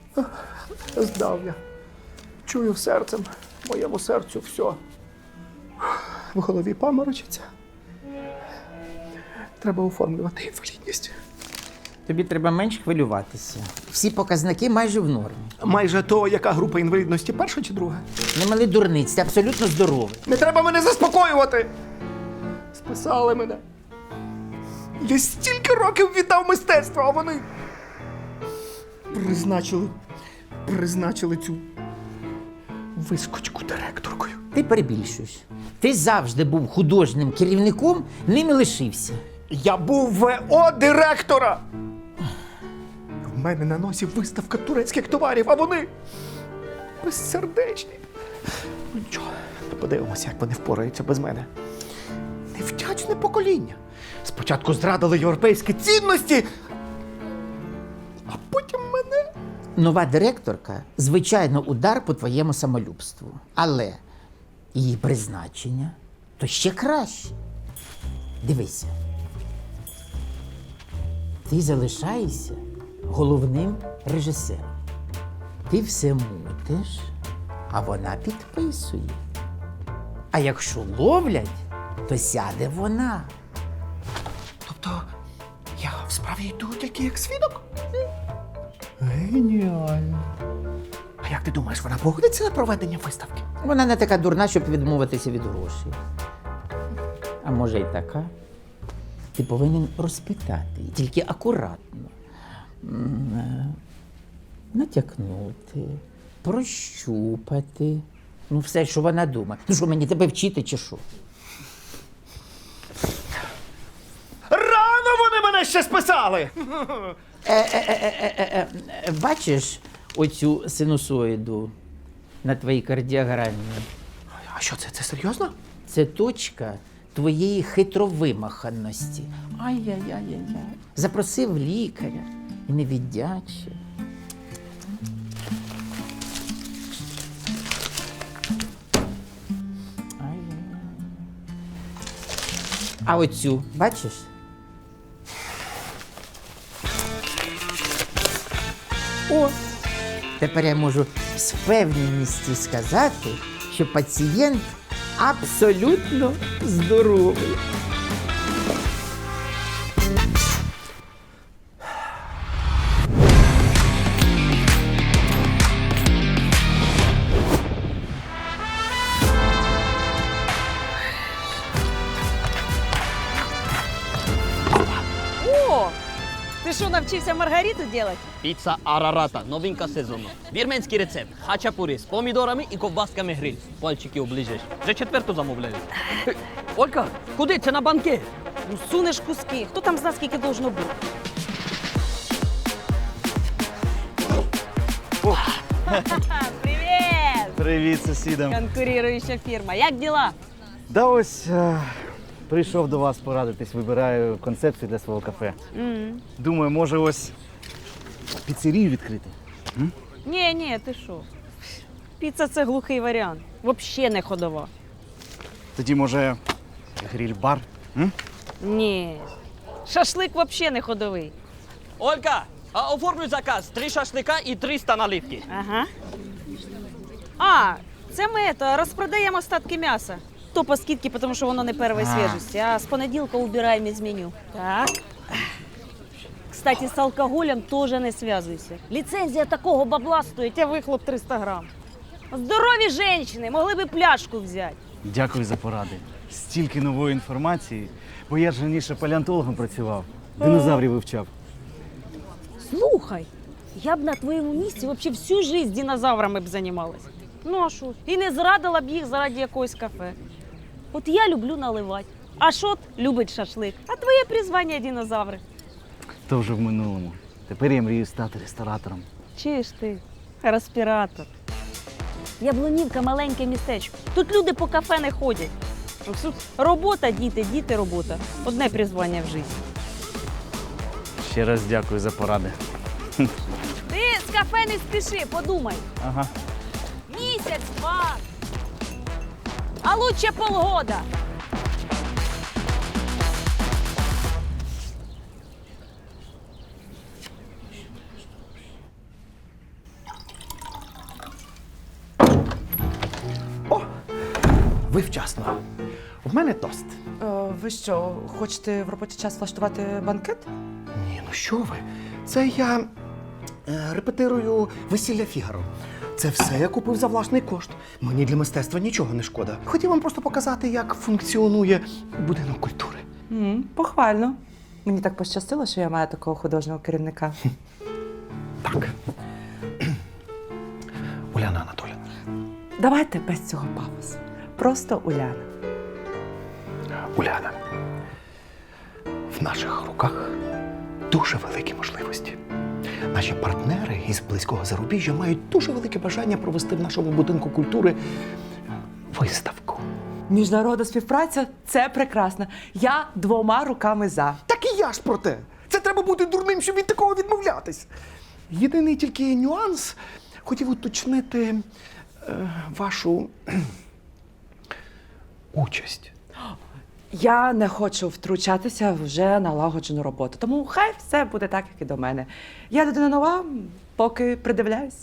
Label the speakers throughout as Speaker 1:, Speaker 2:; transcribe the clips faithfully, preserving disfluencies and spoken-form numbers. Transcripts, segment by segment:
Speaker 1: Здав я. Чую серцем, моєму серцю все. В голові паморочиться. Треба оформлювати інвалідність.
Speaker 2: Тобі треба менш хвилюватися. Всі показники майже в нормі.
Speaker 1: Майже то, яка група інвалідності, перша чи друга?
Speaker 2: Не мали дурниць, ти абсолютно здоровий.
Speaker 1: Не треба мене заспокоювати! Списали мене. Я стільки років віддав мистецтву, а вони призначили, призначили цю вискочку директоркою.
Speaker 2: Ти перебільшуєш. Ти завжди був художнім керівником, ним і лишився.
Speaker 1: Я був ВО директора! В мене на носі виставка турецьких товарів, а вони безсердечні. Ну нічого, подивимося, як вони впораються без мене. Невдячне покоління. Спочатку зрадили європейські цінності, а потім мене.
Speaker 2: Нова директорка, звичайно, удар по твоєму самолюбству. Але її призначення то ще краще. Дивися. Ти залишаєшся головним режисером. Ти все мутиш, а вона підписує. А якщо ловлять, то сяде вона.
Speaker 1: Тобто я в справі йду тільки як свідок? Геніально. А як ти думаєш, вона погодиться на проведення виставки?
Speaker 2: Вона не така дурна, щоб відмовитися від грошей. А може й така. Ти повинен розпитати, її, тільки акуратно. М, е, Натякнути, прощупати. Ну, все, що вона думає. Ну що, мені тебе вчити чи що?
Speaker 1: Рано вони мене ще списали!
Speaker 2: Е, Бачиш оцю синусоїду на твоїй кардіограмі?
Speaker 1: А що це? Це серйозно?
Speaker 2: Це точка твоєї хитровимаханості. Ай-яй-яй-яй. Запросив лікаря і не віддячив. Ай-яй-яй. А оцю, бачиш? О! Тепер я можу з впевненістю сказати, що пацієнт абсолютно здоровий.
Speaker 3: О! Ти що, навчився маргариту робити?
Speaker 4: Піца Арарата, новинка сезону. Вірменський рецепт. Хачапурі з помідорами і ковбасками гриль. Пальчики оближеш. Вже четверту замовляю. Е, Олька, куди? Це на банкет.
Speaker 3: Ну, сунеш куски. Хто там знає, скільки должно бути? Привіт!
Speaker 5: Привіт, сусідам.
Speaker 3: Конкуруюча фірма. Як діла?
Speaker 5: Да ось е, прийшов до вас порадитись, вибираю концепцію для свого кафе. Думаю, може ось піцерію відкрити.
Speaker 3: Ні, ні, ти що? Піца – це глухий варіант. Взагалі не ходова.
Speaker 5: Тоді, може, гриль-бар? М?
Speaker 3: Ні. Шашлик взагалі не ходовий.
Speaker 4: Олька, а оформлюй заказ. Три шашлика і триста наливки.
Speaker 3: Ага. А, це ми то, розпродаємо остатки м'яса. То по скидці, тому що воно не першої
Speaker 5: А.
Speaker 3: свіжості, а з понеділка убираємо із меню. Так. Кстати, з алкоголем теж не зв'язуйся. Ліцензія такого бабла стоїть, а вихлоп триста грам. Здорові жінки могли би пляшку взяти.
Speaker 5: Дякую за поради. Стільки нової інформації, бо я ж раніше палеонтологом працював, динозаврів вивчав.
Speaker 3: Слухай, я б на твоєму місці взагалі всю життя динозаврами б займалась. Ну а що? І не зрадила б їх заради якогось кафе. От я люблю наливати, а Шот любить шашлик. А твоє призвання динозаври.
Speaker 5: То вже в минулому. Тепер я мрію стати ресторатором.
Speaker 3: Чи ж ти, респіратор? Яблунівка – маленьке містечко. Тут люди по кафе не ходять. Тут робота, діти, діти, робота. Одне призвання в житті.
Speaker 5: Ще раз дякую за поради.
Speaker 3: Ти з кафе не спіши, подумай.
Speaker 5: Ага.
Speaker 3: Місяць, два. А лучше полгода.
Speaker 1: ви вчасно. В мене тост.
Speaker 6: Е, ви що, хочете в робочий час влаштувати банкет?
Speaker 1: Ні, ну що ви? Це я е, репетирую весілля Фігаро. Це все я купив за власний кошт. Мені для мистецтва нічого не шкода. Хотів вам просто показати, як функціонує будинок культури.
Speaker 6: м похвально. Мені так пощастило, що я маю такого художнього керівника.
Speaker 1: Так. Уляна Анатоліївна.
Speaker 6: Давайте без цього пафосу. Просто Уляна.
Speaker 1: Уляна. В наших руках дуже великі можливості. Наші партнери із близького зарубіжжя мають дуже велике бажання провести в нашому будинку культури виставку.
Speaker 6: Міжнародна співпраця це прекрасно. Я двома руками за.
Speaker 1: Так і я ж про те. Це треба бути дурним, щоб від такого відмовлятись. Єдиний тільки нюанс хотів уточнити е, вашу кхм, участь.
Speaker 6: Я не хочу втручатися в вже налагоджену роботу, тому хай все буде так, як і до мене. Я людина нова, поки придивляюсь.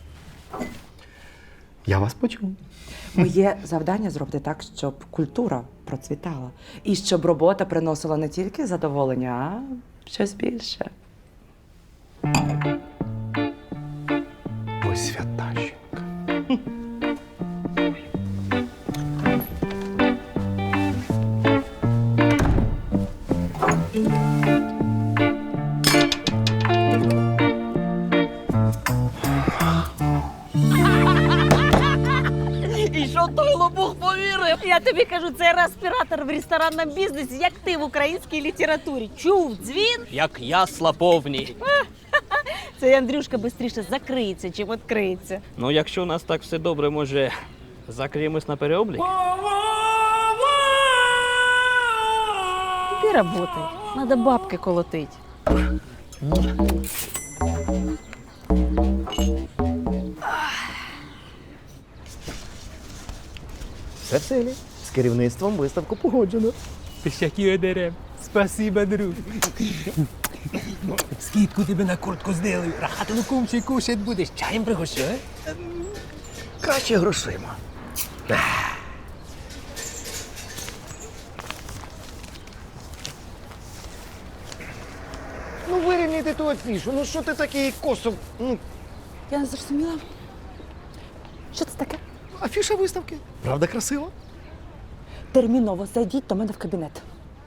Speaker 1: Я вас почув.
Speaker 6: Моє завдання зробити так, щоб культура процвітала. І щоб робота приносила не тільки задоволення, а щось більше.
Speaker 1: Ви свята жінка.
Speaker 4: І що той лопух повірив?
Speaker 3: Я тобі кажу, це респіратор в ресторанному бізнесі, як ти в українській літературі. Чув дзвін?
Speaker 4: Як ясла повні.
Speaker 3: Цей Андрюшка швидше закриється, чим відкриється.
Speaker 4: Ну, якщо у нас так все добре, може, закриємось на переоблік?
Speaker 3: Іди работай, надо бабки колотить.
Speaker 1: Все в силі. З керівництвом виставку погоджено.
Speaker 7: Пішаки одерем. Спасибо, друг. Скидку тебе на куртку зделаю. Рахати луком ще кушать будеш. Чаєм пригощу, а?
Speaker 1: Краще грошима. Ну, вирівняйте ту афішу. Ну що ти такий косо? Ну,
Speaker 6: Я не зрозуміла. Що це таке?
Speaker 1: афіша виставки. Правда, красиво?
Speaker 6: Терміново зайдіть до мене в кабінет.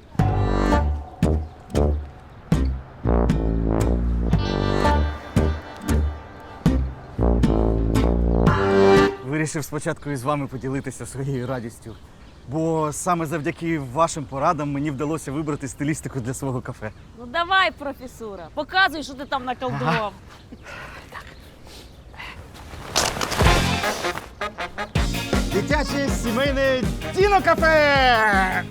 Speaker 5: Вирішив спочатку із вами поділитися своєю радістю. Бо саме завдяки вашим порадам мені вдалося вибрати стилістику для свого кафе.
Speaker 3: Ну давай, професура, показуй, що ти там наколдував.
Speaker 5: Дитяче сімейне Діно-кафе!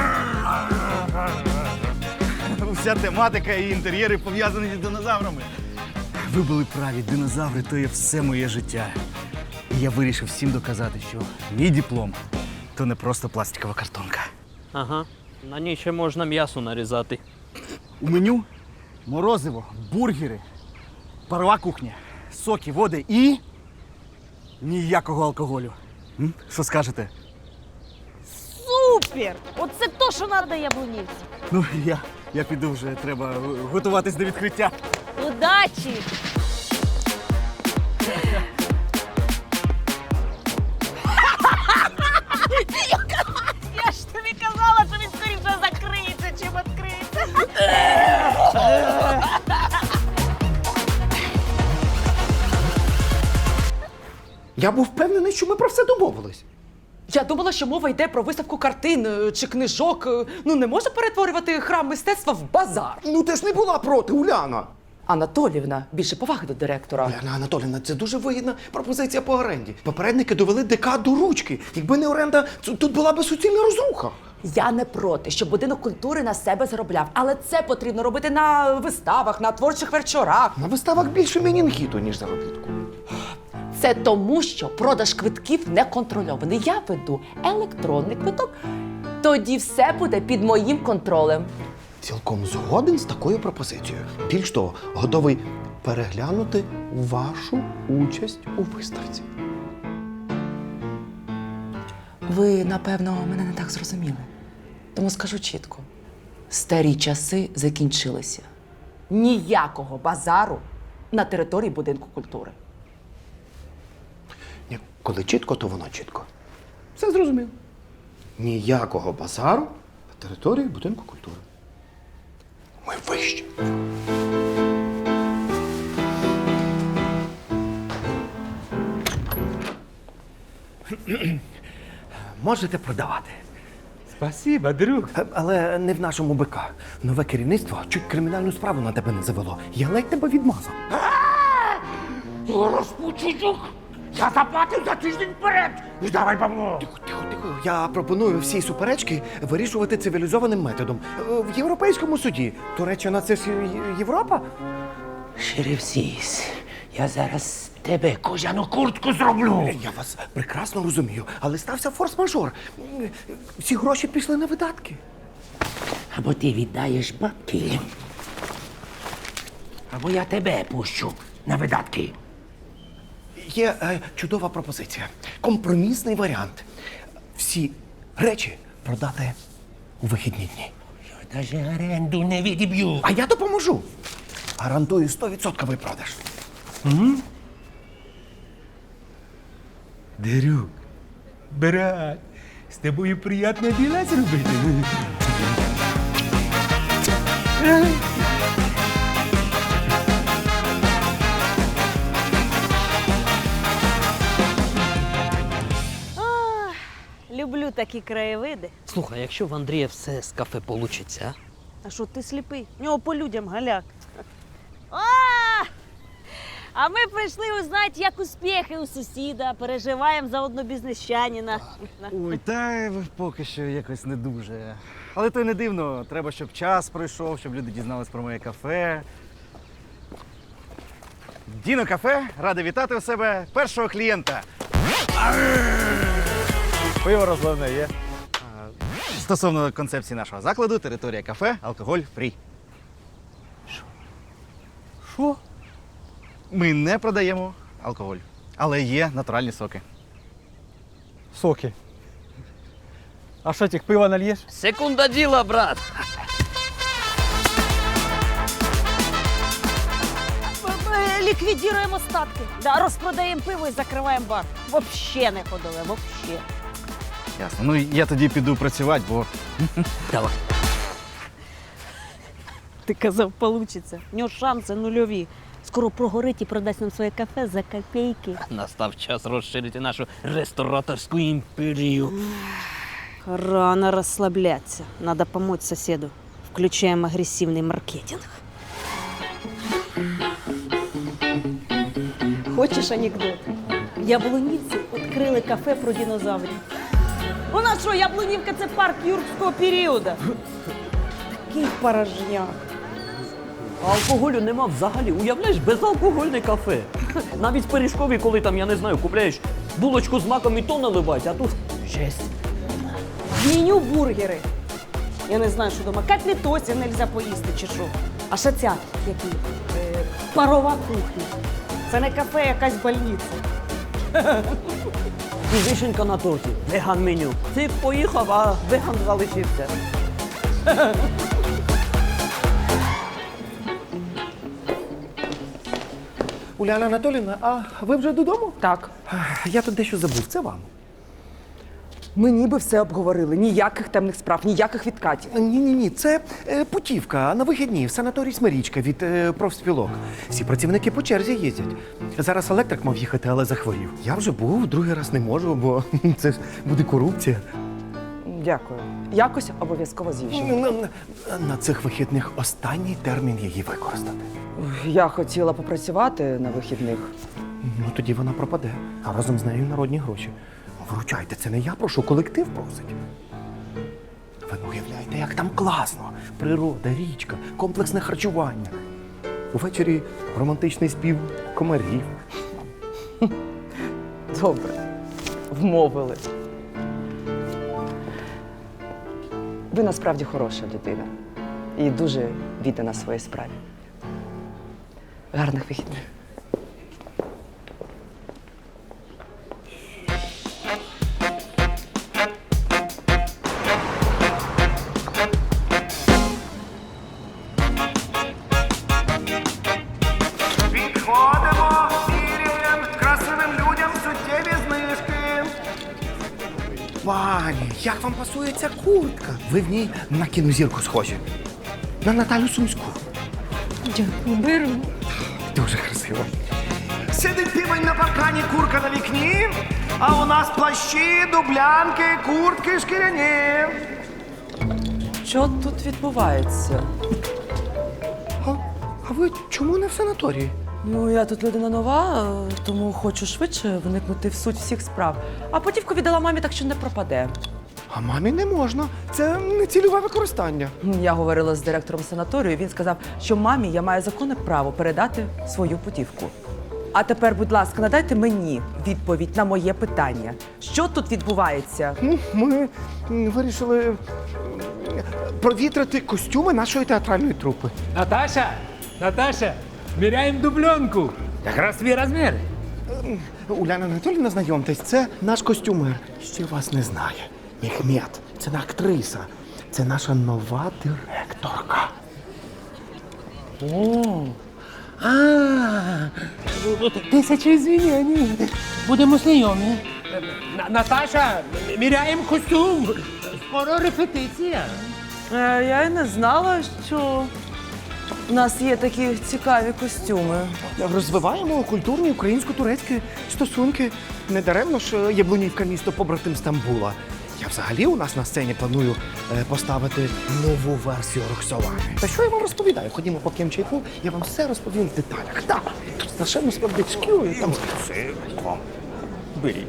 Speaker 5: Уся тематика і інтер'єри пов'язані з динозаврами. Ви були праві, динозаври то є все моє життя. І я вирішив всім доказати, що мій диплом то не просто пластикова картонка.
Speaker 4: Ага. На ній ще можна м'ясо нарізати.
Speaker 5: У меню морозиво, бургери, парова кухня, соки, води і ніякого алкоголю. М? Що скажете?
Speaker 3: Супер! Оце то, що треба яблунівці.
Speaker 5: Ну, я, я піду вже, треба готуватись до відкриття.
Speaker 3: Удачі! Я ж тобі казала, що він скоріше закриється, чим відкриється.
Speaker 1: Я був впевнений, що ми про все домовились.
Speaker 6: Я думала, що мова йде про виставку картин е, чи книжок. Е, Ну не можна перетворювати храм мистецтва в базар.
Speaker 1: Ну ти ж не була проти, Уляна.
Speaker 6: Анатоліївна, більше поваги до директора.
Speaker 1: Уляна Анатоліївна, це дуже вигідна пропозиція по оренді. Попередники довели ДК до ручки. Якби не оренда, ц- тут була би суцільна розруха.
Speaker 6: Я не проти, щоб будинок культури на себе заробляв, але це потрібно робити на виставах, на творчих вечорах.
Speaker 1: На виставах більше менінгіту, ніж заробітку.
Speaker 6: Це тому, що продаж квитків не контрольований. Я веду електронний квиток, тоді все буде під моїм контролем.
Speaker 1: Цілком згоден з такою пропозицією. Більш того, готовий переглянути вашу участь у виставці.
Speaker 6: Ви, напевно, мене не так зрозуміли. Тому скажу чітко: старі часи закінчилися. Ніякого базару на території будинку культури.
Speaker 1: Ні, коли чітко, то воно чітко. Все зрозуміло. Ніякого базару на території будинку культури. Ми вищі. Можете продавати.
Speaker 7: Спасибо, друг.
Speaker 1: Е, Але не в нашому БК. Нове керівництво чуть кримінальну справу на тебе не завело. Я ледь тебе відмазав.
Speaker 7: Розпучук! Я заплатив за тиждень вперед! Віддавай бабло!
Speaker 1: Тихо, тихо, тихо. Я пропоную всі суперечки вирішувати цивілізованим методом. Е, В Європейському суді. Туреччина – це ж Є- Європа?
Speaker 7: Шериф Сіс, я зараз тебе кожану куртку зроблю!
Speaker 1: Я вас прекрасно розумію, але стався форс-мажор. М, Всі гроші пішли на видатки.
Speaker 7: Або ти віддаєш бабки, або я тебе пущу на видатки.
Speaker 1: Є е, чудова пропозиція. Компромісний варіант. Всі речі продати у вихідні дні.
Speaker 7: Я даже оренду не відіб'ю.
Speaker 1: А я допоможу. Гарантую сто відсотків продаж.
Speaker 7: Друг, брат, з тобою приємно діла зробити.
Speaker 3: Люблю такі краєвиди.
Speaker 4: Слухай, якщо в Андрія все з кафе получиться,
Speaker 3: А що ти сліпий? В нього по людям галяк. А! А ми прийшли узнати, як успіхи у сусіда. Переживаємо за одного бізнесчанина.
Speaker 5: Ой, та поки що якось не дуже. Але то й не дивно. Треба, щоб час пройшов, щоб люди дізнались про моє кафе. Діно кафе, радий вітати у себе першого клієнта. Пиво розливне є. А, Стосовно концепції нашого закладу, територія кафе, алкоголь фрі.
Speaker 7: Що?
Speaker 5: Ми не продаємо алкоголь, але є натуральні соки.
Speaker 7: Соки. А що, тих пива нальєш?
Speaker 4: секунда діла, брат.
Speaker 3: Ми ліквідуємо остатки. Да, розпродаємо пиво і закриваємо бар. Вообще не ходили, вообще.
Speaker 5: Ясно. Ну я тоді піду працювати, бо
Speaker 4: Давай.
Speaker 3: Ти казав, получиться. В нього шанси нульові. Скоро прогорить і продасть нам своє кафе за копійки.
Speaker 4: Настав час розширити нашу рестораторську імперію.
Speaker 3: Рано розслабляться. Надо помочь соседу. Включаем агрессивный маркетинг. Хочеш анекдот? Яблунівці відкрили кафе про динозаврів. У нас що, Яблунівка – це парк юрського періоду? Такий порожняк.
Speaker 4: А алкоголю нема взагалі. Уявляєш, безалкогольне кафе. Навіть в пиріжкові, коли там, я не знаю, купляєш булочку з маком і то наливають, а тут жесть.
Speaker 3: В меню бургери. Я не знаю, що дома. Котлетосів нельзя поїсти чи що. А ще ця, які? Е, парова кухня. Це не кафе, якась больниця.
Speaker 4: І вишенька на торті. Веган меню. Ти поїхав, а веган залишився.
Speaker 1: Уляна Анатоліївна, а ви вже додому?
Speaker 6: Так.
Speaker 1: Я тут дещо забув. Це вам.
Speaker 6: Ми ніби все обговорили. Ніяких темних справ, ніяких відкатів.
Speaker 1: Ні-ні-ні, це е, путівка на вихідні в санаторій Смирічка від е, профспілок. Всі працівники по черзі їздять. Зараз електрик мав їхати, але захворів. Я вже був, другий раз не можу, бо це ж буде корупція.
Speaker 6: Дякую. Якось обов'язково з'їжджу.
Speaker 1: На, на, на цих вихідних останній термін її використати.
Speaker 6: Я хотіла попрацювати на вихідних.
Speaker 1: Ну тоді вона пропаде, а разом з нею народні гроші. Вручайте, це не я прошу, колектив просить. Ви не уявляєте, як там класно. Природа, річка, комплексне харчування. Увечері романтичний спів комарів.
Speaker 6: Добре. Вмовили. Ви насправді хороша людина. І дуже віддана своїй справі. Гарних вихідних.
Speaker 1: Пані, як вам пасує ця куртка? Ви в ній на кінозірку схожі. На Наталю Сумську.
Speaker 3: Дякую, беру.
Speaker 1: Дуже красиво. Сидить півень на паркані, курка на вікні, а у нас плащі, дублянки, куртки шкіряні.
Speaker 6: Що тут відбувається?
Speaker 1: А, а ви чому не в санаторії?
Speaker 6: Ну, я тут людина нова, е, тому хочу швидше вникнути в суть всіх справ. А потівку віддала мамі, так що не пропаде.
Speaker 1: А мамі не можна. Це не цільове використання.
Speaker 6: Я говорила з директором санаторію, він сказав, що мамі я маю законне право передати свою путівку. А тепер, будь ласка, надайте мені відповідь на моє питання. Що тут відбувається?
Speaker 1: Ну, ми м, вирішили м, провітрити костюми нашої театральної трупи.
Speaker 8: Наташа, Наташа, міряємо дубленку. Якраз твій розмір.
Speaker 1: Уляна Анатоліївна, знайомтесь, це наш костюмер. Ще вас не знає. Мехмед, це не актриса. Це наша нова директорка.
Speaker 7: О, а, тисяча извинений. Будемо знайомі. На- Наташа, міряємо костюм. Скоро репетиція.
Speaker 6: Е, я й не знала, що у нас є такі цікаві костюми.
Speaker 1: Розвиваємо культурні українсько-турецькі стосунки. Недаремно ж Яблунівка місто побратим Стамбула. Я взагалі у нас на сцені планую е, поставити нову версію Роксолани. Та що я вам розповідаю? Ходімо по чайку, я вам все розповім в деталях. Так, тут страшенно смердить шкірою, там красиво. Беріть.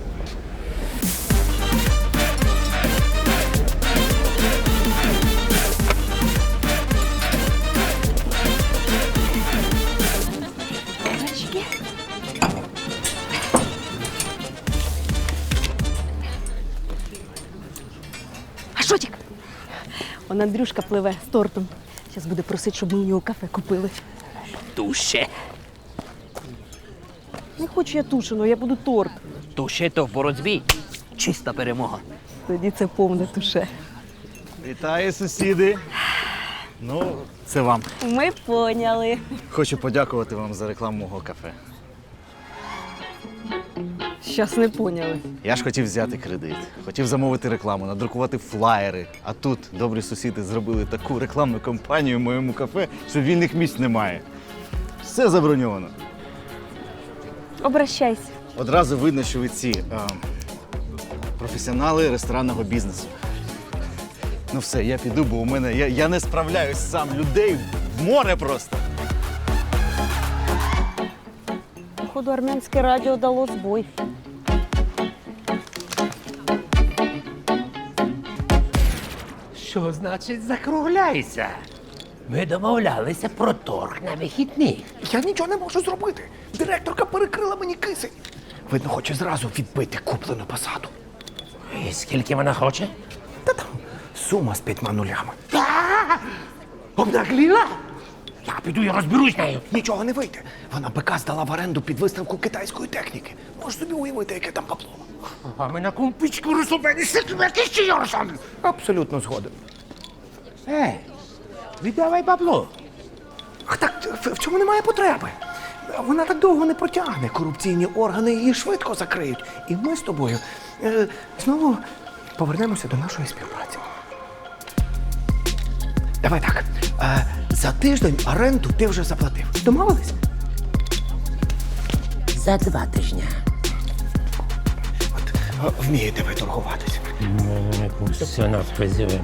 Speaker 3: А Шотік? Он Андрюшка пливе з тортом. Зараз буде просити, щоб ми у нього кафе купили.
Speaker 4: Туше.
Speaker 3: Не хочу я тушеного, я буду торт.
Speaker 4: Туше то в боротьбі. Чиста перемога.
Speaker 3: Тоді це повне туше.
Speaker 5: Вітаю, сусіди. Ну, це вам.
Speaker 3: Ми поняли.
Speaker 5: Хочу подякувати вам за рекламу мого кафе.
Speaker 3: Щас не поняли.
Speaker 5: Я ж хотів взяти кредит, хотів замовити рекламу, надрукувати флаєри. А тут добрі сусіди зробили таку рекламну кампанію в моєму кафе, що вільних місць немає. Все заброньовано.
Speaker 3: Обращайся.
Speaker 5: Одразу видно, що ви ці е, професіонали ресторанного бізнесу. Ну все, я піду, бо у мене я, я не справляюсь сам. Людей в море просто.
Speaker 3: Походу, армянське радіо дало збой.
Speaker 7: Що значить закругляйся? Ми домовлялися про торг на вихідних.
Speaker 1: Я нічого не можу зробити. Директорка перекрила мені кисень. Видно, хоче зразу відбити куплену посаду.
Speaker 7: І скільки вона хоче?
Speaker 1: Та там сума з п'ятьма нулями.
Speaker 7: Обнагліла? Я піду і розберусь з нею.
Speaker 1: Нічого не вийде. Вона бика здала в оренду під виставку китайської техніки. Можеш собі уявити, яке там бабло.
Speaker 7: А ми на кумпічку розумені секрети ще Йорсон.
Speaker 1: Абсолютно згоден.
Speaker 7: Ей, віддавай бабло.
Speaker 1: Ах, так в, в цьому немає потреби. Вона так довго не протягне. Корупційні органи її швидко закриють. І ми з тобою е, знову повернемося до нашої співпраці. Давай так. Е, за тиждень оренду ти вже заплатив. Домовились?
Speaker 7: За два тижні.
Speaker 1: От е, вмієте ви торгуватися.
Speaker 7: Все нас призиваємо.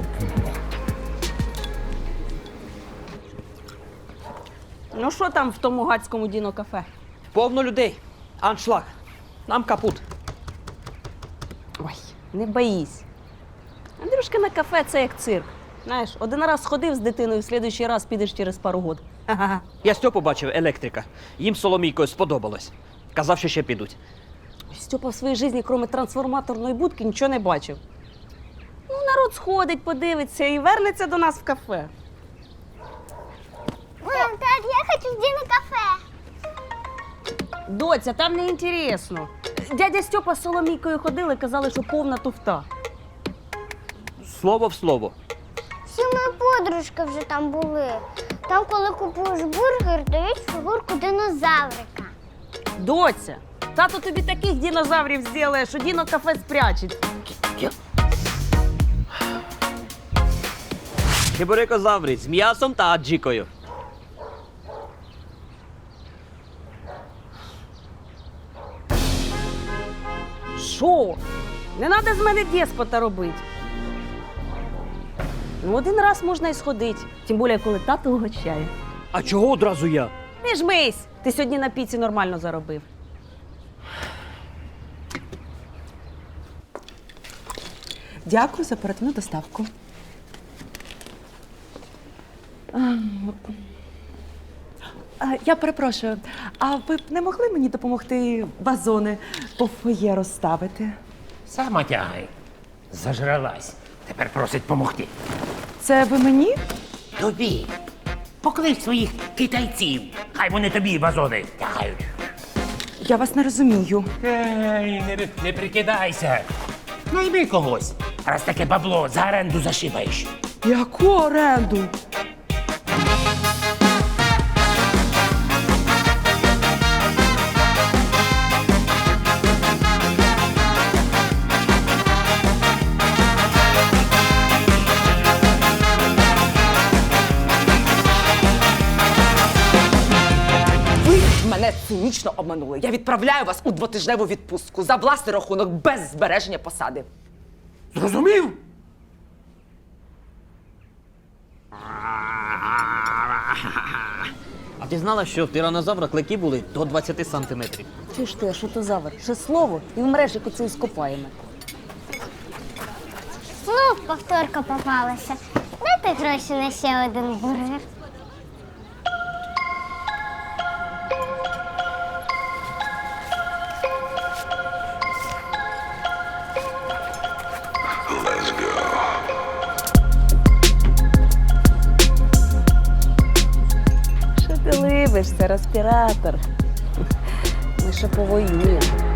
Speaker 3: Ну що там в тому гацькому діно-кафе?
Speaker 4: Повно людей. Аншлаг. Нам капут.
Speaker 3: Ой, не боїсь. Андрюшка на кафе це як цирк. Знаєш, один раз сходив з дитиною, в слідуючий раз підеш через пару год. Ха-ха.
Speaker 4: Я Стьопу бачив, електрика. Їм з Соломійкою сподобалось. Казав, що ще підуть.
Speaker 3: Стьопа в своїй житті, крім трансформаторної будки, нічого не бачив. Ну, народ сходить, подивиться і вернеться до нас в кафе.
Speaker 9: Мам, так, я хочу в діно-кафе.
Speaker 3: Доця, там не інтересно. Дядя Стьопа з Соломійкою ходили, казали, що повна туфта.
Speaker 4: Слово в слово.
Speaker 9: Всі мої подружки вже там були. Там, коли купуєш бургер, дають фігурку динозаврика.
Speaker 3: Доця, тато тобі таких динозаврів зробить, що діно-кафе спрячеть.
Speaker 4: Чебурекозаври з м'ясом та аджикою.
Speaker 3: Що? Не треба з мене деспота робити. Ну, один раз можна і сходити, тим більше, коли тато угощає.
Speaker 4: А чого одразу я?
Speaker 3: Не жмись! Ти сьогодні на піці нормально заробив.
Speaker 6: Дякую за оперативну доставку. А, Я перепрошую, а ви б не могли мені допомогти вазони по фоє розставити?
Speaker 7: Сама тягай. Зажралась. Тепер просить помогти.
Speaker 6: Це ви мені?
Speaker 7: Тобі. Поклич своїх китайців. Хай вони тобі вазони тягають.
Speaker 6: Я вас не розумію.
Speaker 7: Ей, не, не прикидайся. Найми когось. Раз таке бабло за оренду зашибаєш.
Speaker 6: Яку оренду? Ви мене цинічно обманули. Я відправляю вас у двотижневу відпустку за власний рахунок без збереження посади.
Speaker 7: Зрозумів?
Speaker 4: А ти знала, що в тиранозавра клики були до двадцять сантиметрів?
Speaker 3: Чи ж ти, що то завар? Ще слово, і вмреш, як оце скопаємо.
Speaker 9: Знов повторка попалася. Дайте гроші на ще один бургер.
Speaker 3: Що ти либишся, респіратор? Ми ще повоюємо.